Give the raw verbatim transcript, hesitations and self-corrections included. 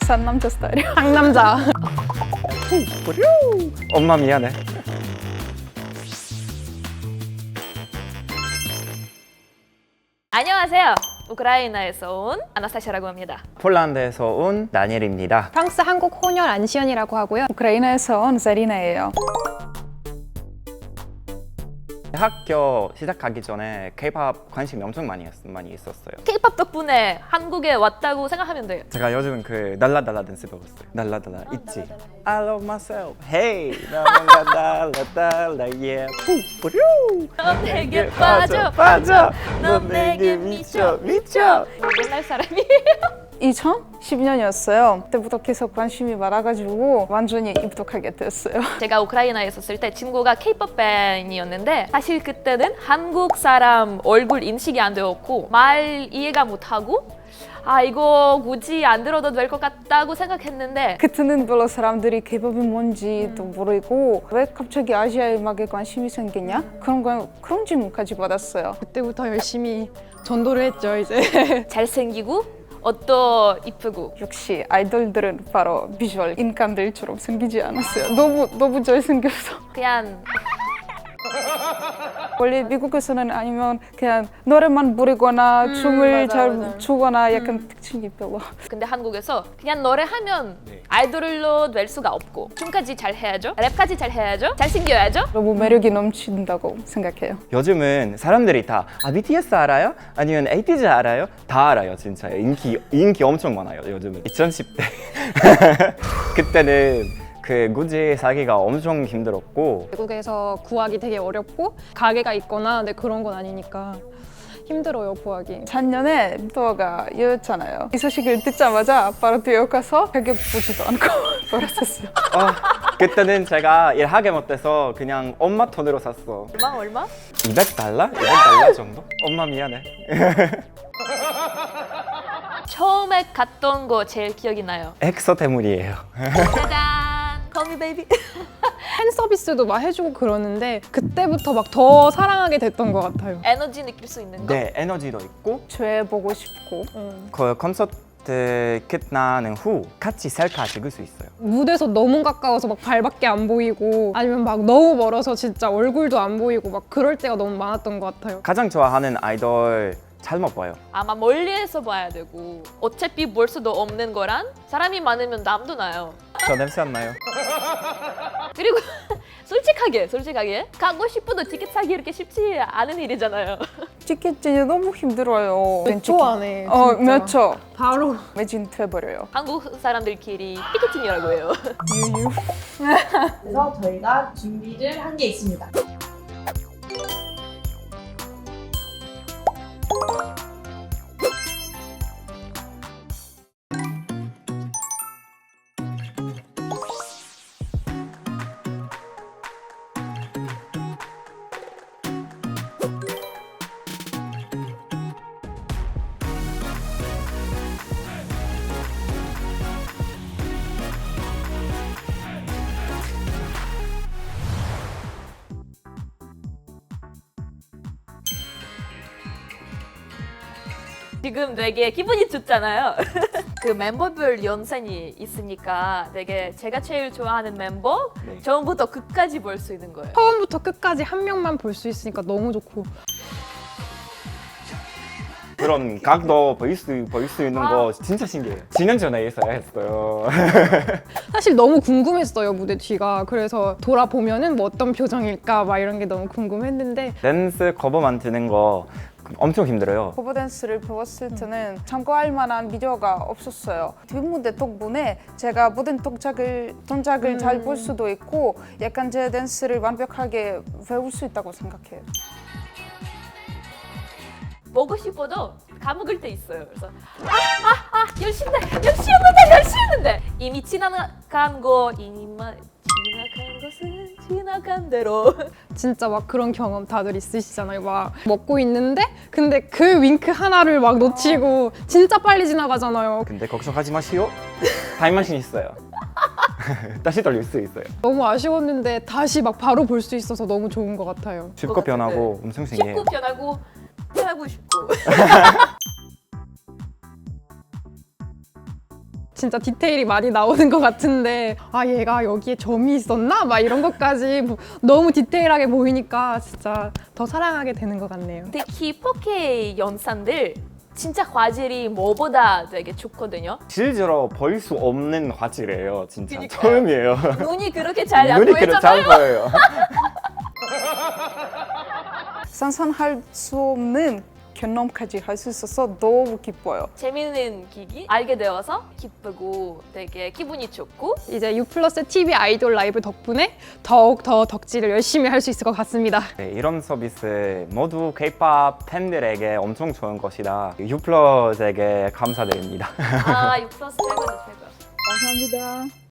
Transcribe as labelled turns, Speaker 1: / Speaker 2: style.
Speaker 1: 상남자 스타일이요.
Speaker 2: 상남자.
Speaker 3: 엄마 미안해.
Speaker 4: 안녕하세요. 우크라이나에서 온 아나스타샤라고 합니다.
Speaker 3: 폴란드에서 온 다니엘입니다.
Speaker 2: 프랑스 한국 혼혈 안시연이라고 하고요.
Speaker 1: 우크라이나에서 온 자리나예요.
Speaker 3: 학교 시작하기 전에 K-팝 관심이 엄청 많이, 했, 많이 있었어요.
Speaker 4: K-팝 덕분에 한국에 왔다고 생각하면 돼요.
Speaker 3: 제가 요즘은 그 날라달라 댄스 배웠어요. 날라달라 있지? I love myself. Hey, 나 뭔가 날라달라 yeah. 뿌뿌류.
Speaker 4: 넌 내게 빠져
Speaker 3: 빠져.
Speaker 4: 넌 내게 미쳐 미쳐. 옛날 사람이에요.
Speaker 1: 이천십 년이었어요. 그때부터 계속 관심이 많아가지고 완전히 입덕하게 됐어요.
Speaker 4: 제가 우크라이나에 있었을 때 친구가 K-팝 팬이었는데 사실 그때는 한국 사람 얼굴 인식이 안 되었고 말 이해가 못하고 아 이거 굳이 안 들어도 될 것 같다고 생각했는데
Speaker 1: 그때는 별로 사람들이 K-팝이 뭔지도 모르고 왜 갑자기 아시아 음악에 관심이 생겼냐? 그런 거 그런 질문까지 받았어요.
Speaker 2: 그때부터 열심히 전도를 했죠, 이제.
Speaker 4: 잘생기고 옷도 이쁘고
Speaker 1: 역시 아이돌들은 바로 비주얼 인간들처럼 생기지 않았어요. 너무 너무 잘생겨서.
Speaker 4: 그냥
Speaker 1: 원래 미국에서는 아니면 그냥 노래만 부르거나
Speaker 4: 음,
Speaker 1: 춤을
Speaker 2: 맞아,
Speaker 1: 잘
Speaker 2: 맞아.
Speaker 1: 추거나 약간 특징이 별로.
Speaker 4: 근데 한국에서 그냥 노래하면
Speaker 3: 네.
Speaker 4: 아이돌로 될 수가 없고 춤까지 잘 해야죠 랩까지 잘 해야죠 잘생겨야죠.
Speaker 1: 너무 매력이 넘친다고 생각해요.
Speaker 3: 요즘은 사람들이 다 아, 비티에스 알아요? 아니면 에이티즈 알아요? 다 알아요, 진짜. 인기 인기 엄청 많아요, 요즘은. 이천십 대 그때는 그 굳이 살기가 엄청 힘들었고
Speaker 2: 외국에서 구하기 되게 어렵고 가게가 있거나 근데 그런 건 아니니까 힘들어요, 구하기.
Speaker 1: 작년에 또가 이었잖아요. 이 소식을 듣자마자 바로 뛰어가서 가게 보지도 않고 벌었었어요.
Speaker 3: 아, 그때는 제가 일하게 못해서 그냥 엄마 돈으로 샀어.
Speaker 4: 얼마 얼마?
Speaker 3: 이백 달러? 이백 달러 정도? 엄마 미안해.
Speaker 4: 처음에 갔던 거 제일 기억이 나요.
Speaker 3: 엑소 때문이에요.
Speaker 4: 짜잔 Call me baby.
Speaker 2: 팬 서비스도 막 해주고 그러는데 그때부터 막 더 사랑하게 됐던 것 같아요.
Speaker 4: 에너지 느낄 수 있는 거.
Speaker 3: 네, 에너지도 있고
Speaker 1: 죄 보고 싶고
Speaker 2: 음.
Speaker 3: 그 콘서트 끝나는 후 같이 셀카 찍을 수 있어요.
Speaker 2: 무대에서 너무 가까워서 막 발밖에 안 보이고 아니면 막 너무 멀어서 진짜 얼굴도 안 보이고 막 그럴 때가 너무 많았던 것 같아요.
Speaker 3: 가장 좋아하는 아이돌 잘못 봐요.
Speaker 4: 아마 멀리에서 봐야 되고 어차피 볼 수도 없는 거란 사람이 많으면 남도 나요.
Speaker 3: 저 냄새 안 나요?
Speaker 4: 그리고 솔직하게 솔직하게 가고 싶어도 티켓 사기 이렇게 쉽지 않은 일이잖아요.
Speaker 1: 티켓이 너무 힘들어요.
Speaker 2: 몇 초 안에
Speaker 1: 어,
Speaker 2: 진짜.
Speaker 1: 몇 초.
Speaker 2: 바로
Speaker 1: 매진돼버려요.
Speaker 4: 한국 사람들끼리 피켓팅이라고 해요.
Speaker 1: 유유.
Speaker 5: 그래서 저희가 준비를 한 게 있습니다.
Speaker 4: 지금 되게 기분이 좋잖아요. 그 멤버별 연산이 있으니까 되게 제가 제일 좋아하는 멤버
Speaker 3: 네.
Speaker 4: 처음부터 끝까지 볼 수 있는 거예요.
Speaker 2: 처음부터 끝까지 한 명만 볼 수 있으니까 너무 좋고
Speaker 3: 그런 각도 볼 수, 볼 수 있는 거 진짜 신기해요. 지난주에 있어야 했어요.
Speaker 2: 사실 너무 궁금했어요, 무대 뒤가. 그래서 돌아보면은 뭐 어떤 표정일까 막 이런 게 너무 궁금했는데
Speaker 3: 댄스 커버 만드는 거 엄청 힘들어요.
Speaker 1: 커버 댄스를 배웠을 때는 참고할 만한 비디오가 없었어요. 뒷무대 덕분에 제가 모든 동작을, 동작을
Speaker 2: 음.
Speaker 1: 잘 볼 수도 있고 약간 제 댄스를 완벽하게 배울 수 있다고 생각해요.
Speaker 4: 먹고 싶어도 까먹을 때 있어요. 그래서 아아아 아, 열심히 열심히 했는데 열심히 했는데 이미 지나간 거 이미 지나간 것은 지나간 대로.
Speaker 2: 진짜 막 그런 경험 다들 있으시잖아요. 막 먹고 있는데 근데 그 윙크 하나를 막 놓치고 진짜 빨리 지나가잖아요.
Speaker 3: 근데 걱정하지 마시오. 타임머신 있어요. 다시 돌릴 수 있어요.
Speaker 2: 너무 아쉬웠는데 다시 막 바로 볼 수 있어서 너무 좋은 것 같아요.
Speaker 3: 쉽고 변하고 엄청 신기해요.
Speaker 4: 쉽고 변하고 편하고 싶고.
Speaker 2: 진짜 디테일이 많이 나오는 것 같은데 아 얘가 여기에 점이 있었나? 막 이런 것까지 뭐 너무 디테일하게 보이니까 진짜 더 사랑하게 되는 것 같네요.
Speaker 4: 특히 포케이 영상들 진짜 화질이 뭐보다 되게 좋거든요.
Speaker 3: 실제로 볼 수 없는 화질이에요. 진짜
Speaker 4: 그러니까요.
Speaker 3: 처음이에요.
Speaker 4: 눈이 그렇게 잘 안
Speaker 3: 눈이 그렇게 잘
Speaker 4: 보이잖아요.
Speaker 3: 보여요.
Speaker 1: 상상할 수 없는 경험까지 할 수 있어서 너무 기뻐요.
Speaker 4: 재밌는 기기 알게 되어서 기쁘고 되게 기분이 좋고
Speaker 2: 이제 U 플러스 티비 아이돌 라이브 덕분에 더욱 더 덕질을 열심히 할 수 있을 것 같습니다.
Speaker 3: 네, 이런 서비스 모두 K-팝 팬들에게 엄청 좋은 것이다. U 플러스에게 감사드립니다.
Speaker 4: 아, 육 플러스 최고죠, 최고.
Speaker 1: 감사합니다.